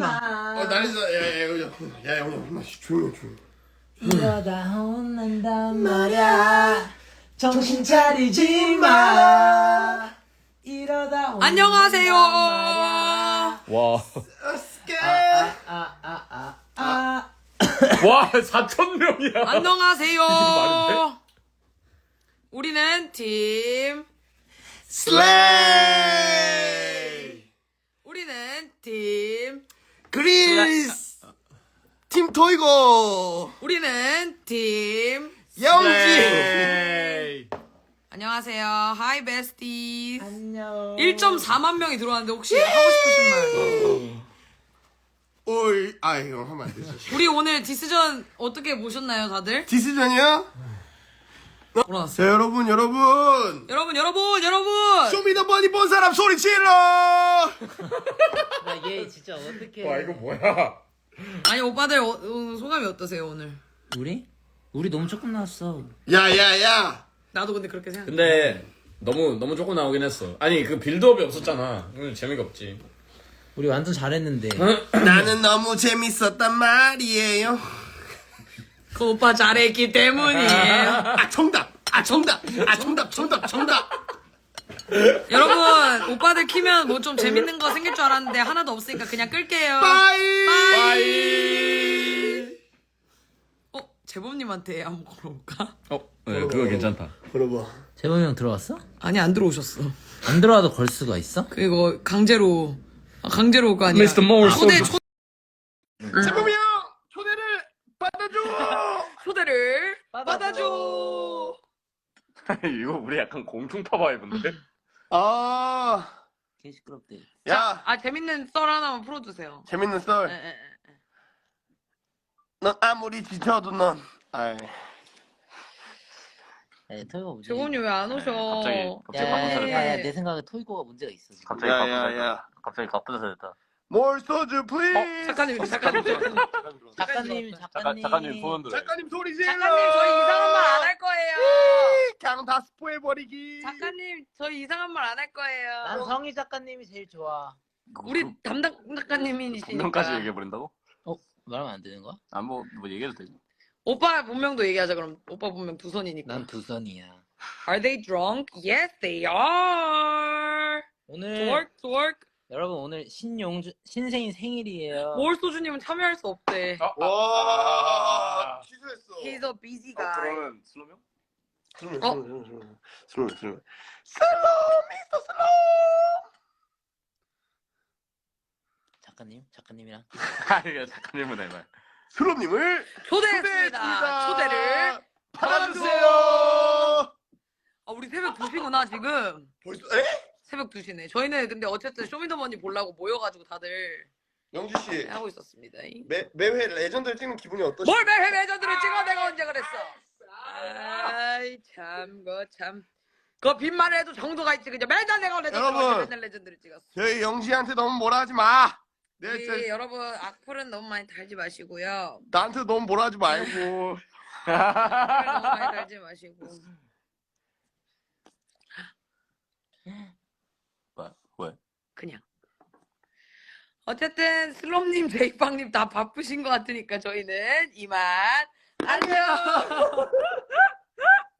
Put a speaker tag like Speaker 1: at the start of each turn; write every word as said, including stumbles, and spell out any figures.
Speaker 1: 마.
Speaker 2: 어 난리다. 야야 야 야 야 조용히 조용히.
Speaker 1: 이러다 혼난단 말야. 정신 차리지 마. 이러다 혼난단
Speaker 3: 안녕하세요.
Speaker 1: 말야.
Speaker 4: 와.
Speaker 1: 아아아아 아.
Speaker 4: 와, 사천 명이야.
Speaker 3: 안녕하세요.
Speaker 4: 많은데?
Speaker 3: 우리는 팀.
Speaker 2: 슬레이.
Speaker 3: 우리는 팀.
Speaker 2: 그리스. 팀 토이고.
Speaker 3: 우리는 팀.
Speaker 2: 영지.
Speaker 4: 에이.
Speaker 3: 안녕하세요. 하이 베스티.
Speaker 1: 안녕.
Speaker 3: 일 점 사만 명이 들어왔는데 혹시 하고 싶으신 말?
Speaker 2: 오이 아 이거 하면 안 되지.
Speaker 3: 우리 오늘 디스전 어떻게 보셨나요, 다들?
Speaker 2: 디스전이요?
Speaker 3: 돌아왔어요.
Speaker 2: 자 여러분 여러분.
Speaker 3: 여러분, 여러분, 여러분.
Speaker 2: 쇼미더머니 본 사람 소리 질러.
Speaker 1: 나얘 진짜 어떻게?
Speaker 4: 와, 이거 뭐야?
Speaker 3: 아니 오빠들 어, 어, 소감이 어떠세요 오늘?
Speaker 1: 우리? 우리 너무 조금 나왔어.
Speaker 2: 야야야.
Speaker 3: 나도 근데 그렇게 생각해.
Speaker 4: 근데 너무 너무 조금 나오긴 했어. 아니, 그 빌드업이 없었잖아. 오늘 재미가 없지.
Speaker 1: 우리 완전 잘했는데.
Speaker 2: 나는 너무 재밌었단 말이에요.
Speaker 3: 그 오빠 잘했기 때문이에요.
Speaker 2: 아 정답. 아 정답. 아 정답 정답 정답.
Speaker 3: 여러분 오빠들 키면 뭐 좀 재밌는 거 생길 줄 알았는데 하나도 없으니까 그냥 끌게요.
Speaker 2: 빠이.
Speaker 4: 빠이.
Speaker 3: 어? 재범님한테 한번 걸어볼까?
Speaker 4: 어, 네, 그거 괜찮다.
Speaker 2: 물어봐.
Speaker 1: 재범이 형 들어왔어?
Speaker 3: 아니 안 들어오셨어.
Speaker 1: 안 들어와도 걸 수가 있어?
Speaker 3: 그거 강제로 아, 강제로 올 거 아니야.
Speaker 4: 미스터 모어
Speaker 3: 초대
Speaker 4: 소주.
Speaker 3: 초,
Speaker 2: 재범이 형 초대를 받아줘.
Speaker 3: 초대를
Speaker 1: 받아줘.
Speaker 3: 받아줘.
Speaker 4: 이거 우리 약간 공중파 바이브인데?
Speaker 2: 아.
Speaker 1: 개 시끄럽대.
Speaker 2: 야
Speaker 3: 아 재밌는 썰 하나만 풀어주세요.
Speaker 2: 재밌는
Speaker 3: 에,
Speaker 2: 썰.
Speaker 3: 에, 에.
Speaker 2: 넌 아무리 지쳐도 넌. 아이.
Speaker 1: 야, 토이고 문제.
Speaker 3: 재범님 왜 안 오셔?
Speaker 4: 갑자기- 갑자기
Speaker 1: 야,
Speaker 4: 바쁜
Speaker 1: 야,
Speaker 4: 사람.
Speaker 1: 야, 야, 내 생각에 토이고가 문제가 있어. 지금.
Speaker 4: 갑자기
Speaker 2: 야야야.
Speaker 4: 갑자기 바쁘다 됐다.
Speaker 2: 몰 소주 플리즈.
Speaker 3: 작가님, 작가님, 작가님.
Speaker 1: 작가님, 작가님.
Speaker 4: 작가님 소원 들어.
Speaker 2: 작가님 소리 질러.
Speaker 3: 작가님 저희 이상한 말 안 할 거예요.
Speaker 2: 그냥 다 스포해버리기.
Speaker 3: 작가님 저희 이상한 말 안 할 거예요.
Speaker 1: 난 성희 작가님이 제일 좋아.
Speaker 3: 우리 담당 작가님이시니까.
Speaker 4: 분명까지 얘기해 버린다고?
Speaker 1: 어? 말하면 안 되는 거야?
Speaker 4: 아뭐 뭐 얘기해도 되지.
Speaker 3: 오빠 본명도 얘기하자 그럼. 오빠 본명 두 손이니까.
Speaker 1: 난 두 선이야.
Speaker 3: Are they drunk? Yes, they are.
Speaker 1: 오늘
Speaker 3: Twerk, twerk.
Speaker 1: 여러분 오늘 신용주 신생인 생일이에요.
Speaker 3: 뭘 소주님은 참여할 수 없대.
Speaker 2: 와 취소했어.
Speaker 3: He's a busy guy.
Speaker 4: 그러면 슬로명?
Speaker 2: 슬로우
Speaker 3: 어?
Speaker 2: 슬로우 슬로우 슬로우 슬로우 미스터 슬로우.
Speaker 1: 작가님, 작가님이랑
Speaker 4: 아니, 작가님은 해봐.
Speaker 2: 슬로우님을
Speaker 3: 초대했습니다. 초대를
Speaker 2: 받아주세요.
Speaker 3: 아, 우리 새벽 두 시구나 지금.
Speaker 2: 벌써 에?
Speaker 3: 새벽 두 시네. 저희는 근데 어쨌든 쇼미더머니 보려고 모여가지고 다들
Speaker 2: 영지 씨
Speaker 3: 하고 있었습니다.
Speaker 2: 매 매회 레전드를 찍는 기분이 어떠시?
Speaker 3: 뭘 매회 레전드를 찍어 내가 언제 그랬어? 아이 참, 그 참. 그 빈말을 해도 정도가 있지. 그냥 맨날 내가 레전드를
Speaker 2: 여러분.
Speaker 3: 맨날 레전드를 찍었어.
Speaker 2: 저희 영지한테 너무 뭐라 하지 마. 내
Speaker 3: 우리
Speaker 2: 저,
Speaker 3: 여러분 악플은 너무 많이 달지 마시고요.
Speaker 2: 나한테 너무 뭐라 하지 말고.
Speaker 3: 악플 너무 많이 달지 마시고.
Speaker 4: 왜? 왜?
Speaker 3: 그냥. 어쨌든 슬롬님, 제이빵님 다 바쁘신 것 같으니까 저희는 이만 안녕.